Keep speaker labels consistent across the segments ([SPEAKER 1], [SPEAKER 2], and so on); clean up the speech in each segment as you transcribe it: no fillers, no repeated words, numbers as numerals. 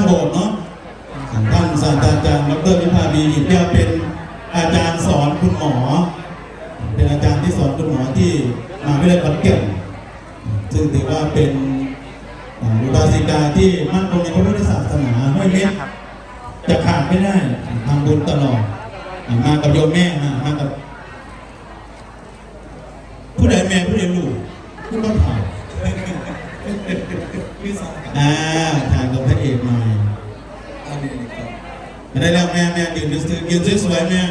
[SPEAKER 1] โบสถ์เนาะท่านศาสตราจารย์ดร.วิภาวีหินแก้วเป็นอาจารย์สอนคุณหมอเป็นอาจารย์ที่สอนคุณหมอที่มหาวิทยาลัยขอนแก่นซึ่งถือว่าเป็นอุบาสิกาที่มั่นคงในพระพุทธศาสนาไม่เล็กจะขาดไม่ได้ทำบุญตลอดมากับโยมแม่มากับผู้ใดแม่ผู้ใดลูกผู้ต้องถ่ายถ่ายกับพระเอกหน่อยได้แล้วแม่ยืนสวยๆแม่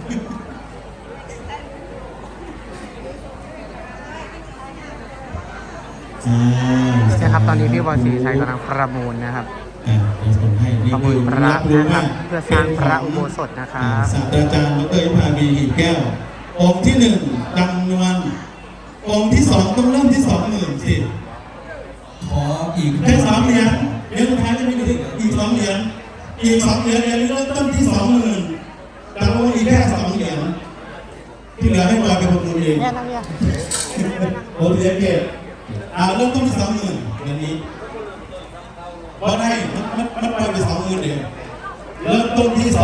[SPEAKER 2] นะครับตอนนี้พี่บอลศรีชัยกำลังประมูลนะครับประมูลพระนะครับเพื่อสร้างพระอุโบสถนะครับ
[SPEAKER 1] ศาสตราจารย์ดร.วิภาวีหินแก้วองค์ที่1จำนวนองค์ที่2ต้องเริ่มที่ 20,000 สิ
[SPEAKER 3] ขออีก
[SPEAKER 1] แค่2 เหรียญเดี๋ยวสุดท้ายจะมีอีก2 เหรียญอีก2 เหรียญเริ่มต้นที่ 20,000แต่ว่าอีกแค่2 เหรียญที่เหลือให้บอยเป็นคนดูเองโอ้เหรียญเก็บเริ่มต้นที่ 20,000เหรียญนี้พอได้มันไป20,000เดียวเริ่มต้นที่ 20,000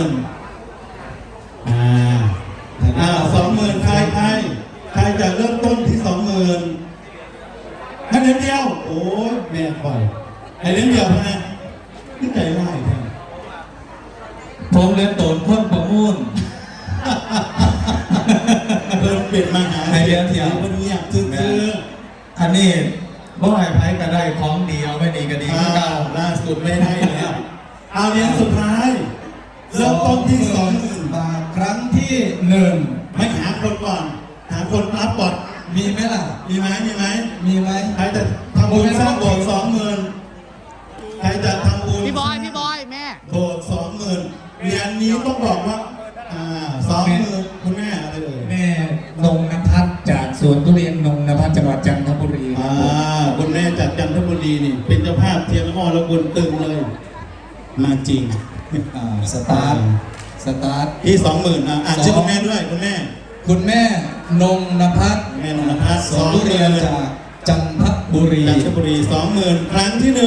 [SPEAKER 1] 20,000ใครจะเริ่มต้นที่ 20,000ให้เหรียญเดียวโอ้แม่ปล่อยให้เหรียญเดียวนะนี่ใจร้ายแท้
[SPEAKER 3] ผมเรียนโตนพ้นประมูล
[SPEAKER 1] เพิ่มเปลี่ยนมาหา
[SPEAKER 3] เหรียญเดียว
[SPEAKER 1] วันนี้อยากซื้อ
[SPEAKER 3] อันนี้บ่ให้ไพ่ก็ได้ของดีเอาไม่ดีก็ดี
[SPEAKER 1] ล่าสุดไม่ได้แล้วเอาเหรียญสุดท้ายเริ่มต้นที่ 20,000
[SPEAKER 3] บาทครั้งที่1
[SPEAKER 1] ไม่หาคนก่อนหาคนรับบอด
[SPEAKER 3] มีไหมล่ะ
[SPEAKER 1] มีไหมใครจะทำบุญสร้างโบสถ์ 20,000 ใครจะทำบุญ
[SPEAKER 2] พี่บอยแม่
[SPEAKER 1] โบสถ์ 20,000 เหรียญนี้ต้องบอกว่า20,000คุณแม่อะไรเลย
[SPEAKER 3] แม่นงนภัสจากสวนทุเรียนนงนภัสจังหวัดจันทบุรี
[SPEAKER 1] คุณแม่จากจันทบุรีนี่เป็นเจ้าภาพเทียนอ้อและบุญตึงเลยมาจริง
[SPEAKER 3] สตาร์ท
[SPEAKER 1] ที่ 20,000ชื่อคุณแม่ด้วยคุณแม่
[SPEAKER 3] นงนภัส
[SPEAKER 1] แม่นงนภัส
[SPEAKER 3] สวนทุเรียนจากจันทบุรี
[SPEAKER 1] 20,000 ครั้งที่ 1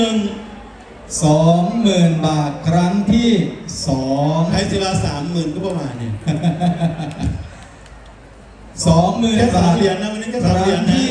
[SPEAKER 3] 20,000 บาทครั้งที่2
[SPEAKER 1] ใครสิว่า 30,000 ก็ประมาณนี้
[SPEAKER 3] 20,000 บาท
[SPEAKER 1] เหรียญนะวันนี้ก็
[SPEAKER 3] 3 เหรียญที่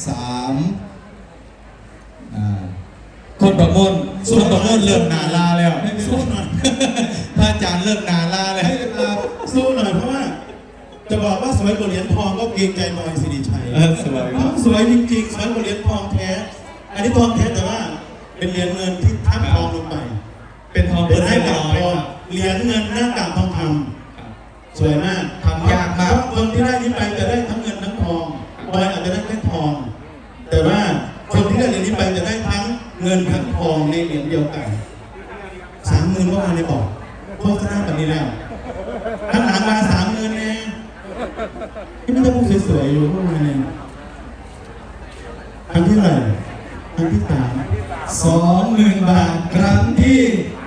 [SPEAKER 3] คนประมูลเริ่มนาลาแล้ว
[SPEAKER 1] สู้หน่อย
[SPEAKER 3] พระอาจารย์เริ่มนาลาแล้ว
[SPEAKER 1] สู้หน่อยเพราะว่าจะบอกว่าสวยกว่าเหรียญทองก็เกรงใจบอยสิริชัยสวยจริงๆสวยกว่าเหรียญทองแท้อันนี้ทองแท้แต่ว่าเป็นเหรียญเงินที่ทับทองลงไป
[SPEAKER 3] เป็นทองเป็น
[SPEAKER 1] ให้กับทองเหรียญเงินหน้ากากทองคำสวยมาก
[SPEAKER 3] ทำยากมาก
[SPEAKER 1] คนที่ได้นี้ไปจะได้ทั้งเงินทั้งทองบอยอาจจะได้แค่ทองแต่ว่าคนที่ได้เหรียญนี้ไปจะได้ทั้งเงินทั้งทองในเหรียญเดียวกัน 30,000 เมื่อวานในบอกโฆษณาแบบนี้แล้วข้างหลังมา 30,000 เองที่ไม่ต้องพูดสวยๆอยู่เมื่อวานเองครั้งที่ไหนครั้งที่ 3
[SPEAKER 3] 20,000 บาทครั้งที่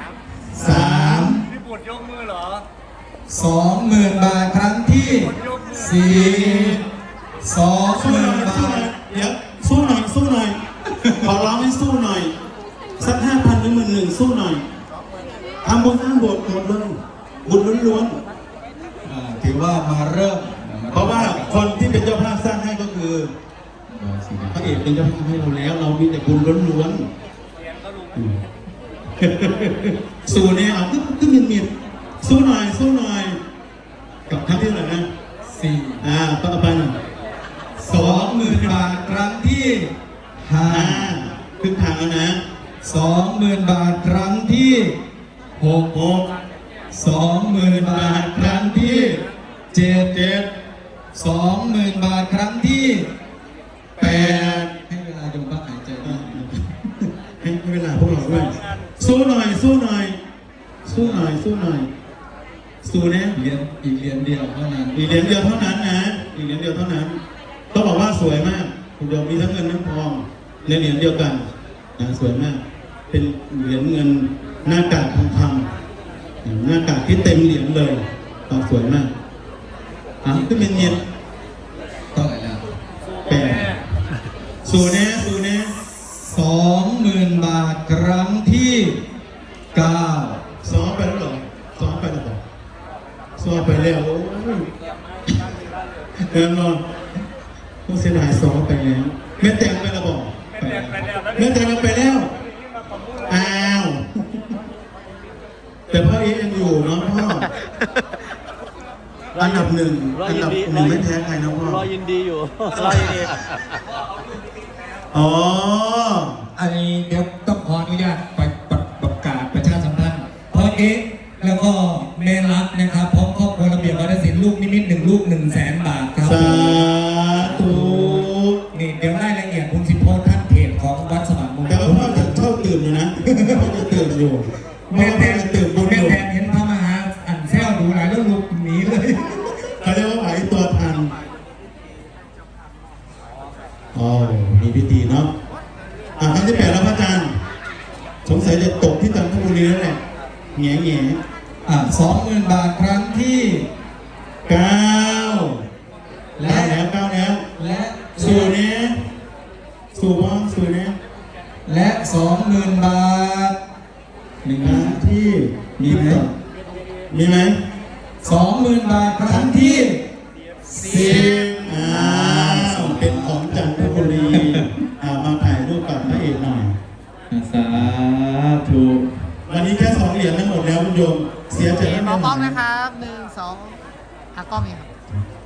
[SPEAKER 3] 3
[SPEAKER 4] พี่บุตรยกมือเหรอ
[SPEAKER 3] 20,000 บาทครั้งที่4 20,000 บาท
[SPEAKER 1] เดี๋ยวสู้หน่อยขอร้องให้สู้หน่อยสัก 5,000 หรือ 11,000 สู้หน่อยทำบุญสร้างโบสถ์หมดเลยบุญล้วน
[SPEAKER 3] ๆถือว่ามาเริ่ม
[SPEAKER 1] เพราะว่าคนที่เป็นเจ้าภาพสร้างให้ก็คือพระเอกเป็นเจ้าภาพให้เราแล้วเรามีแต่บุญล้วนๆสู้เนี่ยเอาขึ้นเมียนสู้หน่อยกับครั้งที่เท่าไหร่นะ
[SPEAKER 3] 4
[SPEAKER 1] ต่อไป
[SPEAKER 3] 20,000 บาทครั้งที่5
[SPEAKER 1] ครึ่งทางแล้วนะ
[SPEAKER 3] 20,000 บาทครั้งที่6 20,000 บาทครั้งที่7 20,000 บาทครั้งที่8ให้เวลาจงพักหายใจ
[SPEAKER 1] ให้เวลาพวกเราด้วยสู้หน่อยสู้นะ
[SPEAKER 3] อีกเหรียญเดียวเท่านั้น
[SPEAKER 1] นะอีกเหรียญเดียวเท่านั้นต้องบอกว่าสวยมากคุณโยมมีทั้งเงินทั้งทองในเหรียญเดียวกันนะสวยมากเป็นเหรียญเงินหน้ากากทองคำหน้ากากที่เต็มเหรียญเลยสวยมากก็เป็นเงิน
[SPEAKER 3] เท่าไหร่นะ
[SPEAKER 1] สู้แน่
[SPEAKER 3] 20,000 บาทครั้งที่ 9
[SPEAKER 1] ซ้อมไปแล้วเหรอซ้อมไปแล้วเหรอซ้อมไปแล้วโอ้ยแน่นอนผู้เสียดายซ้อมไปแล้วแม่แตงไปแล้วบอกแม่แตงไปแล้วอ้าวแต่พ่อเองยังอยู่เนาะพ่ออันดับหนึ่งไม่แพ้ใครนะพ่อ
[SPEAKER 4] รอยินดีอยู่ รอยินดี
[SPEAKER 1] อ๋อ
[SPEAKER 3] อันนี้เดี๋ยวต้องขออนุญาตประกาศประชาสัมพันธ์เพราะแล้วก็แม่รักนะครับพร้อมครอบครัวระเบียบวัฒนศิลป์ลูกนิมิต1 ลูก 100,000 บาทครับ
[SPEAKER 1] สาธุ
[SPEAKER 3] นี่เดี๋ยวรายละเอียดคุณสิโพสท่านเพจของวัดสว่างมงค
[SPEAKER 1] แต่ว่า
[SPEAKER 3] ล
[SPEAKER 1] พ่อจะชอบตื่นอยู่นะพ่อจะตื่นอยู่
[SPEAKER 3] แม่แทน
[SPEAKER 1] จะตื่นบุญ
[SPEAKER 3] แม่
[SPEAKER 1] อยู่
[SPEAKER 3] แทนเห็นพระมหาอันแซวดูหลายแล้วลูกหนีเลย
[SPEAKER 1] เขาเรียกว่าไหวตัวทันอ๋อมีพิธีเนาะครั้งที่ 8แล้วพระอาจารย์สงสัยจะตกที่จันทบุรีแล้วแหละแง่
[SPEAKER 3] 20,000 บาทครั้งที่
[SPEAKER 1] 9แล้ว
[SPEAKER 3] และ
[SPEAKER 1] สู่เนี้ยสู่บ้างสู่เนี้ย
[SPEAKER 3] และ 20,000 บาทหนึ่ง
[SPEAKER 1] ครั้งที่
[SPEAKER 3] มีไหม
[SPEAKER 1] มีไหม
[SPEAKER 3] 20,000 บาทครั้งที่
[SPEAKER 1] 10เป็นของจันทบุรีมาถ่ายรูปกับพระเอกหน่อย
[SPEAKER 3] สาธุ
[SPEAKER 1] วันนี้แค่2 เหรียญทั้งหมดแล้วคุณโยมเสียใจ
[SPEAKER 2] เอ๋
[SPEAKER 1] ไห
[SPEAKER 2] มองกล้องนะครับ1 2กล้องนี้ครับ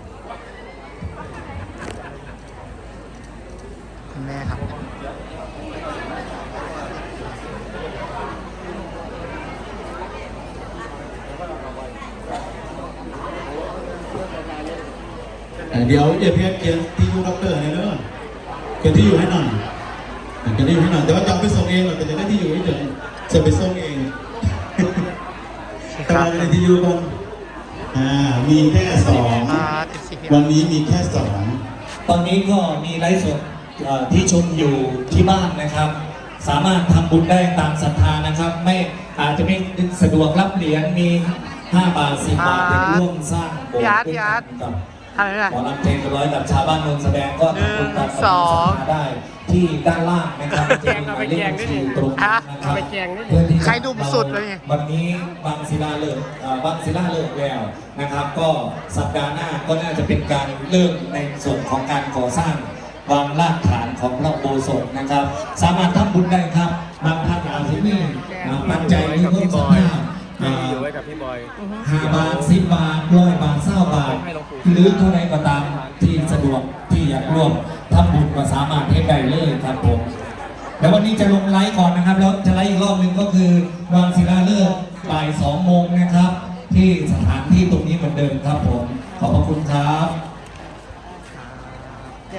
[SPEAKER 2] คุณแม่ครับ
[SPEAKER 1] เดี๋ยวอย่าเพี้ยนเขียนที่ยูด็อกเตอร์เนี่ยเนอะเขียนที่อยู่ให้หน่อยเขียนที่อยู่ให้หน่อยแต่ว่าจะเอาไปส่งเองหรอกแต่จะได้ที่อยู่ให้เฉยจะไปส่งเองกำลังในที่อยู่ก่อนมีแค่2วันนี้มีแค่2
[SPEAKER 5] ตอนนี้ก็มีไลฟ์สดที่ชมอยู่ที่บ้านนะครับ สามารถทำบุญได้ตามศรัทธานะครับ ไม่อาจจะไม่สะดวกรับเหรียญมี5 บาท 10 บาทเป็นร่วมสร้างโบสถ์ด้วยกันกับ
[SPEAKER 2] ทำอะไร
[SPEAKER 5] หมอลำเพลงร้อยกับชาวบ้านนนท์แสดงก็ทำบุญตามศรัทธาได้ที่ด้านล่างนะครับจะมีหมายเลขบัญชีตรงนั้นนะครับเพื่อที่
[SPEAKER 2] ใครดุมสุดเลยเนี่ย
[SPEAKER 5] วันนี้บางศิลาเลิกแล้วนะครับ ก็สัปดาห์หน้าก็น่าจะเป็นการเริ่มในส่วนของการก่อสร้างวางรากฐานของพระอุโบสถนะครับ สามารถทำบุญได้ครับบางท่านอาจจะมีปัจจัยหรือเพิ่มสัก
[SPEAKER 4] อยู่ไว้กับพี่บอย
[SPEAKER 5] 5 บาท 10 บาท100 บาท20 บาทหรือเท่าไรก็ตามที่สะดวกที่อยากร่วมทำบุญก็สามารถให้ได้เลยครับผมแล้ววันนี้จะลงไลฟ์ก่อนนะครับแล้วจะไลฟ์อีกรอบหนึ่งก็คือวางศิลาฤกษ์บ่าย 2 โมงนะครับที่สถานที่ตรง